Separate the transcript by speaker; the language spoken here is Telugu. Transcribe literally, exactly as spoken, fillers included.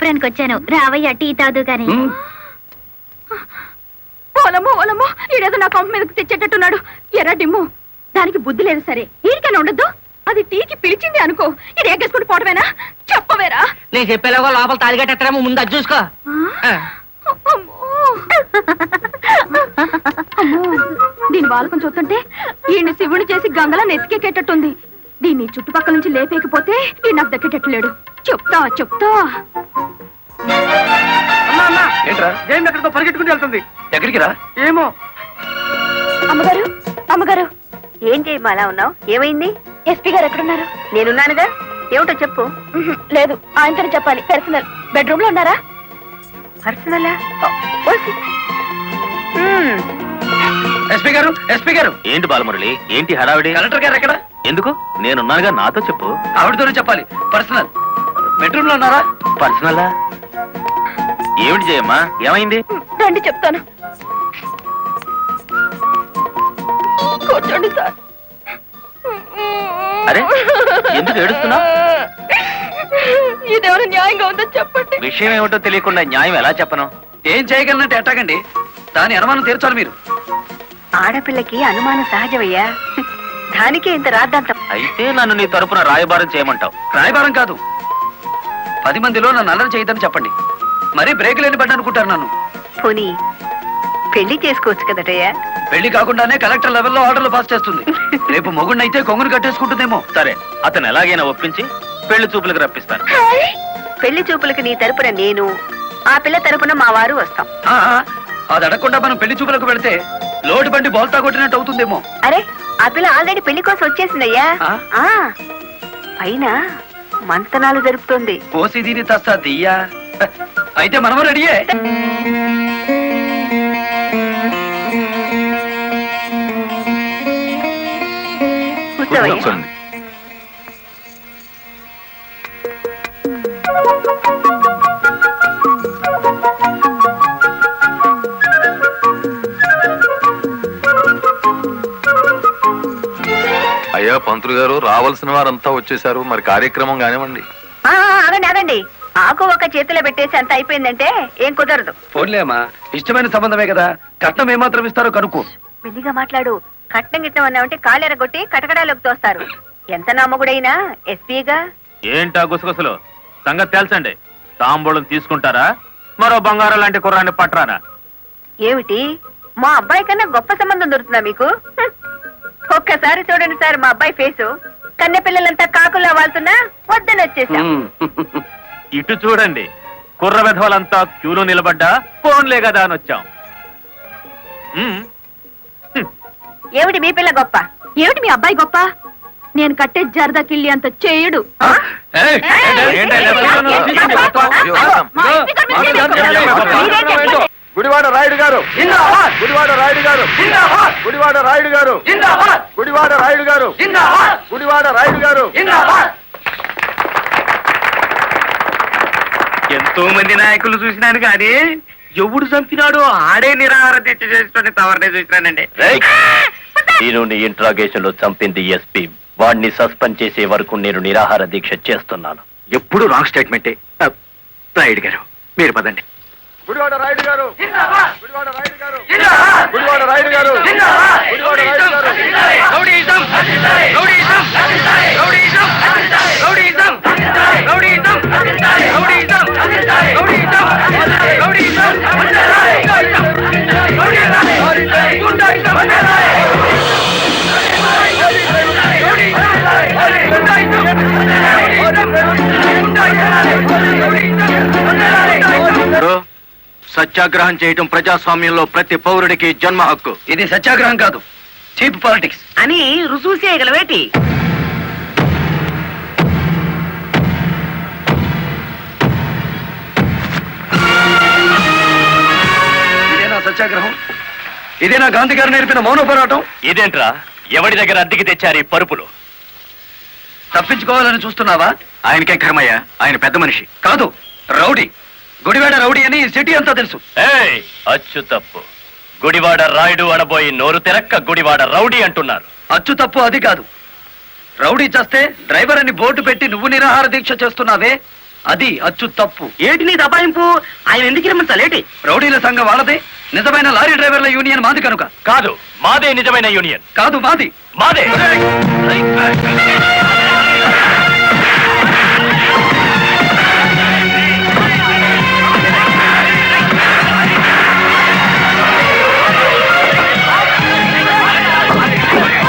Speaker 1: కాపురానికి వచ్చాను. రావయ్య టీ తాదు గాని.
Speaker 2: ఓలమ్మో ఓలమ్మో ఈడేదో నా కొంప మీదకి తెచ్చేటట్టున్నాడు. ఎర్ర డిమ్ము, దానికి బుద్ధి లేదు సరే, ఈడికైనా ఉండద్దు. అది టీకి పిలిచింది అనుకో, ఇది ఎగ్గేసుకుంటూ పోవటమేనా? చెప్పవేరా?
Speaker 3: నేను చెప్పేలాగో లోపల తాలిగట్టేమో ముందు అది చూసుకో.
Speaker 2: దీని బాలకం చూస్తుంటే ఈయన శివుని చేసి గంగలా నెత్తికెక్కేటట్టుంది. దీన్ని చుట్టుపక్కల నుంచి లేపేకపోతే ఈ నాకు దక్కేటట్లేడు. చెప్తా చెప్తా.
Speaker 4: ఏంట్రా జైన్ ఎక్కడికో పరిగెట్టుకుని వెళ్తుంది. ఎక్కడికి రా? ఏమో.
Speaker 2: అమ్మగారు అమ్మగారు,
Speaker 5: ఏం చేయమ్మా అలా ఉన్నావు? ఏమైంది?
Speaker 2: ఎస్పీ గారు ఎక్కడున్నారు?
Speaker 5: నేనున్నానుగా, ఏమిటో చెప్పు.
Speaker 2: లేదు, ఆయనతో చెప్పాలి. పర్సనల్. బెడ్రూమ్ లో ఉన్నారా?
Speaker 5: పర్సనలా?
Speaker 4: ఎస్పీ గారు ఎస్పీ గారు
Speaker 6: ఏంటి బాలమురళి, ఏంటి హడావిడి?
Speaker 4: కలెక్టర్ గారు ఎక్కడ?
Speaker 6: ఎందుకు? నేనున్నానుగా, నాతో చెప్పు.
Speaker 4: ఆవిడతోనే చెప్పాలి. పర్సనల్. బెడ్రూమ్ లో ఉన్నారా?
Speaker 6: పర్సనలా? ఏమిటి జయమ్మా, ఏమైంది?
Speaker 2: రండి చెప్తాను. కూర్చోండి సార్.
Speaker 6: అరే, ఎందుకు ఏడుస్తున్నావు?
Speaker 2: ఇదేమైనా న్యాయంగా ఉందో చెప్పండి.
Speaker 6: విషయం ఏమిటో తెలియకుండా న్యాయం ఎలా చెప్పను?
Speaker 4: ఏం చేయగలనంటే ఎట్టాగండి, దాని అనుమానం తీర్చాలి మీరు.
Speaker 5: ఆడపిల్లకి అనుమానం సహజమయ్యా, దానికే ఇంత రాద్దాంతం.
Speaker 6: అయితే నన్ను నీ తరపున రాయబారం చేయమంటావు?
Speaker 4: రాయబారం కాదు, పది మందిలో నన్ను అల్లరి చేయదని చెప్పండి. మరీ బ్రేక్ లేని పడ్డ అనుకుంటారు నన్ను.
Speaker 5: పోనీ పెళ్లి చేసుకోవచ్చు కదటయ్యా?
Speaker 4: పెళ్లి కాకుండానే కలెక్టర్ లెవెల్లో ఆర్డర్లు పాస్ చేస్తుంది. రేపు మొగుడినైతే కొంగును కట్టేసుకుంటుందేమో.
Speaker 6: సరే, అతను ఎలాగైనా ఒప్పించి పెళ్లి చూపులకు రప్పిస్తాను.
Speaker 5: పెళ్లి చూపులకు నీ తరపున నేను, ఆ పిల్ల తరపున మా వారు వస్తాం.
Speaker 4: ఆ, అది అడగకుండా మనం పెళ్లి చూపులకు వెళితే లోటు బండి బోల్తా కొట్టినట్టు అవుతుందేమో.
Speaker 5: అరే, ఆ పిల్ల ఆల్రెడీ పెళ్లి కోసం వచ్చేసిందయ్యా.
Speaker 4: ఆ?
Speaker 5: ఆ పైన మంతనాలు జరుపుతోంది.
Speaker 4: పోసి దీని తస్తా దియ్యా. అయితే మనము రెడీయే.
Speaker 5: కూర్చోవయ్యా.
Speaker 7: అయ్యా పంతులు గారు, రావాల్సిన వారంతా వచ్చేసారు, మరి కార్యక్రమం కానివ్వండి.
Speaker 5: ఆ, అదండి అదండి, ఆకు ఒక చేతిలో పెట్టేసి అంత అయిపోయిందంటే ఏం కుదరదు.
Speaker 4: పోన్లేమ్మా, ఇష్టమైన సంబంధమే కదా, కట్నం ఏమాత్రం ఇస్తారో కనుక్కో.
Speaker 5: మెల్లిగా మాట్లాడు. కట్నం గిట్నం అన్నామంటే కాళ్ళెరగొట్టి కటకడాలోకి తోస్తారు. ఎంత నమ్మగుడైనా ఎస్పీగా.
Speaker 6: ఏంటా గుసగుసలు? సంగతి తెలుసండి. తాంబూలం తీసుకుంటారా, మరో బంగారం లాంటి కుర్రాన్ని పట్టరానా?
Speaker 5: ఏమిటి, మా అబ్బాయి కన్నా గొప్ప సంబంధం దొరుకుతుందా మీకు? హ్మ్. ఒక్కసారి చూడండి సార్ మా అబ్బాయి ఫేసు. కన్నె పిల్లలంతా కాకులా వాళ్తున్నా వద్దని వచ్చేసాం.
Speaker 6: ఇటు చూడండి, కుర్ర విధవలంతా క్యూలో నిలబడ్డా ఫోన్లే కదా అని వచ్చాం.
Speaker 5: ఏమిటి మీ పిల్ల గొప్ప?
Speaker 2: ఏమిటి మీ అబ్బాయి గొప్ప? నేను కట్టే జరదా కిళ్ళి అంత చేయడు.
Speaker 7: గుడివాడ రాయుడు గారు, గుడివాడ రాయుడు గారు, గుడివాడ రాయుడు గారు, గుడివాడ రాయుడు గారు, గుడివాడ రాయుడు గారు.
Speaker 3: ఎంతో మంది నాయకులు చూసినాను కానీ ఎవడు చంపినాడో ఆడే నిరాహార దీక్ష చేసుకుని తవరనే చూసినానండి.
Speaker 6: నేను ఇంట్రాగేషన్ లో చంపింది ఎస్పీ. వాడిని సస్పెండ్ చేసే వరకు నేను నిరాహార దీక్ష చేస్తున్నాను.
Speaker 4: ఎప్పుడు రాంగ్ స్టేట్మెంటే. రాయుడు గారు మీరు పదండి.
Speaker 7: గుడివాడ రాయుడు గారు, గుడివాడ రాయుడు గారు, గుడివాడ రాయుడు గారు, Gudivada Rayudu garu.
Speaker 3: Rowdyism, rowdyism, rowdyism, rowdyism, rowdyism, rowdyism, rowdyism, rowdyism,
Speaker 6: సత్యాగ్రహం చేయటం ప్రజాస్వామ్యంలో ప్రతి పౌరుడికి జన్మ హక్కు.
Speaker 4: ఇది సత్యాగ్రహం కాదు, చీప్ పాలిటిక్స్
Speaker 3: అని రుజువు చేయగలవేటి?
Speaker 4: ఇదేనా సత్యాగ్రహం? ఇదేనా గాంధీ గారు నేర్పిన మౌన పోరాటం?
Speaker 6: ఇదేంట్రా, ఎవడి దగ్గర అద్దెకి తెచ్చారు ఈ పరుపులు?
Speaker 4: తప్పించుకోవాలని చూస్తున్నావా?
Speaker 6: ఆయనకే కర్మయ్య, ఆయన పెద్ద మనిషి
Speaker 4: కాదు, రౌడీ. గుడివాడ రౌడీ అని సిటీ అంతా తెలుసు.
Speaker 6: ఏయ్, అచ్చు తప్పు. గుడివాడ రాయుడు అనబోయి నోరు తెరక్క గుడివాడ రౌడీ అంటున్నారు.
Speaker 4: అచ్చు తప్పు అది కాదు. రౌడీ చేస్తే డ్రైవర్ అని బోర్డు పెట్టి నువ్వు నిరాహార దీక్ష చేస్తున్నావే, అది అచ్చు తప్పు.
Speaker 3: ఏటి నీ దబాయింపు? ఆయన ఎందుకు రమ్మంటాలేటి?
Speaker 4: రౌడీల సంఘం వాళ్ళదే, నిజమైన లారీ డ్రైవర్ల యూనియన్ మాది కనుక.
Speaker 6: కాదు, మాదే నిజమైన యూనియన్.
Speaker 4: కాదు మాది.
Speaker 6: మాదే.